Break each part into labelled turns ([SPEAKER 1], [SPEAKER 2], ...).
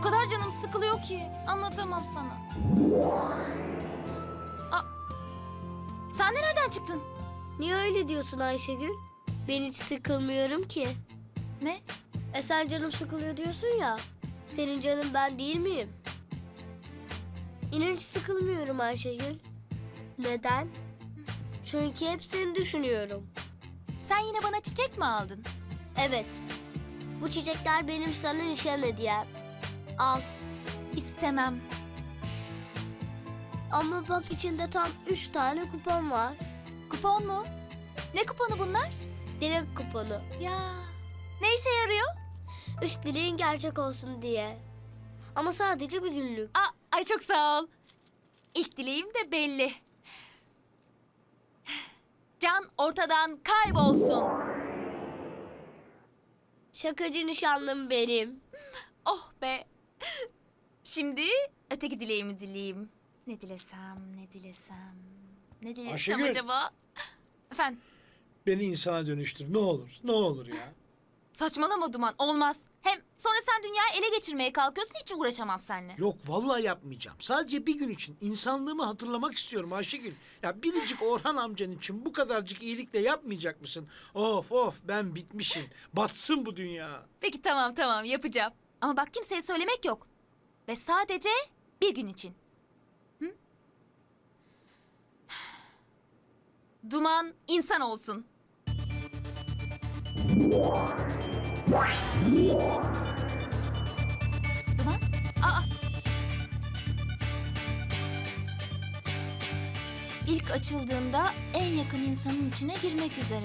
[SPEAKER 1] kadar canım sıkılıyor ki anlatamam sana. Aa, sen de nereden çıktın?
[SPEAKER 2] Niye öyle diyorsun Ayşegül? Ben hiç sıkılmıyorum ki.
[SPEAKER 1] Ne?
[SPEAKER 2] Sen canım sıkılıyor diyorsun ya. Senin canın ben değil miyim? İnan hiç sıkılmıyorum Ayşegül. Neden? Çünkü hep seni düşünüyorum.
[SPEAKER 1] Sen yine bana çiçek mi aldın?
[SPEAKER 2] Evet. Bu çiçekler benim sana nişan hediyem. Al.
[SPEAKER 1] İstemem.
[SPEAKER 2] Ama bak içinde tam 3 tane kupon var.
[SPEAKER 1] Kupon mu? Ne kuponu bunlar?
[SPEAKER 2] Dilek kuponu.
[SPEAKER 1] Ya ne işe yarıyor?
[SPEAKER 2] 3 dileğin gerçek olsun diye. Ama sadece bir günlük.
[SPEAKER 1] Ay çok sağ ol. İlk dileğim de belli. Can ortadan kaybolsun.
[SPEAKER 2] Şakacı nişanlım benim.
[SPEAKER 1] Oh be. Şimdi öteki dileğimi dileyeyim. Ne dilesem, ne dilesem, ne dilesem
[SPEAKER 3] Ayşegül.
[SPEAKER 1] acaba? Efendim,
[SPEAKER 3] Beni insana dönüştür. Ne olur. Ne olur ya.
[SPEAKER 1] saçmalama Duman, olmaz. Hem sonra sen dünyayı ele geçirmeye kalkıyorsun, hiç uğraşamam seninle.
[SPEAKER 3] Yok vallahi yapmayacağım. Sadece bir gün için insanlığımı hatırlamak istiyorum Ayşegül. Ya biricik Orhan amcan için bu kadarcık iyilikle yapmayacak mısın? Of of ben bitmişim. Batsın bu dünya.
[SPEAKER 1] Peki tamam yapacağım. Ama bak kimseye söylemek yok. Ve sadece bir gün için. Hı? Duman insan olsun. Duman? Aa! İlk açıldığında en yakın insanın içine girmek üzere.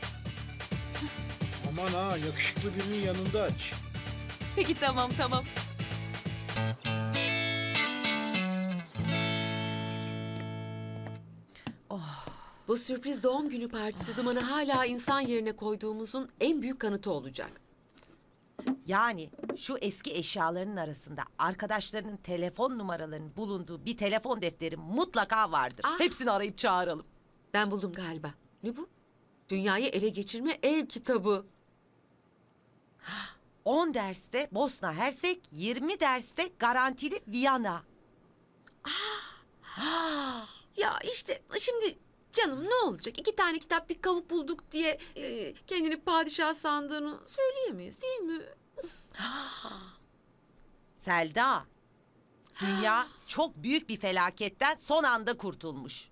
[SPEAKER 3] Aman ha yakışıklı birinin yanında aç.
[SPEAKER 1] Peki tamam.
[SPEAKER 4] Bu sürpriz doğum günü partisi Duman'ı hala insan yerine koyduğumuzun en büyük kanıtı olacak.
[SPEAKER 5] Yani şu eski eşyaların arasında arkadaşlarının telefon numaralarının bulunduğu bir telefon defteri mutlaka vardır.
[SPEAKER 4] Ah.
[SPEAKER 5] Hepsini arayıp çağıralım.
[SPEAKER 4] Ben buldum galiba. Ne bu? Dünyayı ele geçirme el kitabı.
[SPEAKER 5] 10 derste Bosna Hersek, 20 derste garantili Viyana.
[SPEAKER 4] Ya işte şimdi canım ne olacak? 2 tane kitap bir kavuk bulduk diye kendini padişah sandığını söyleyemeyiz değil mi?
[SPEAKER 5] Selda, dünya çok büyük bir felaketten son anda kurtulmuş.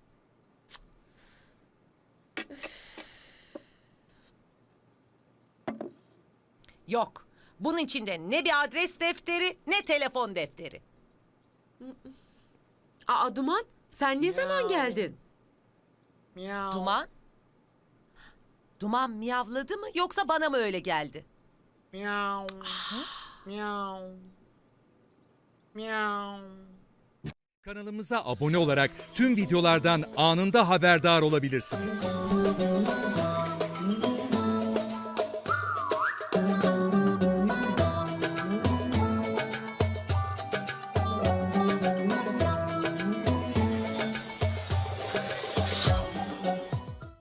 [SPEAKER 5] Yok, bunun içinde ne bir adres defteri ne telefon defteri.
[SPEAKER 4] Aa Duman sen ne zaman geldin?
[SPEAKER 3] Miau.
[SPEAKER 5] Duman? Duman miyavladı mı yoksa bana mı öyle geldi?
[SPEAKER 3] Miau. Miau. Miau.
[SPEAKER 6] Kanalımıza abone olarak tüm videolardan anında haberdar olabilirsiniz.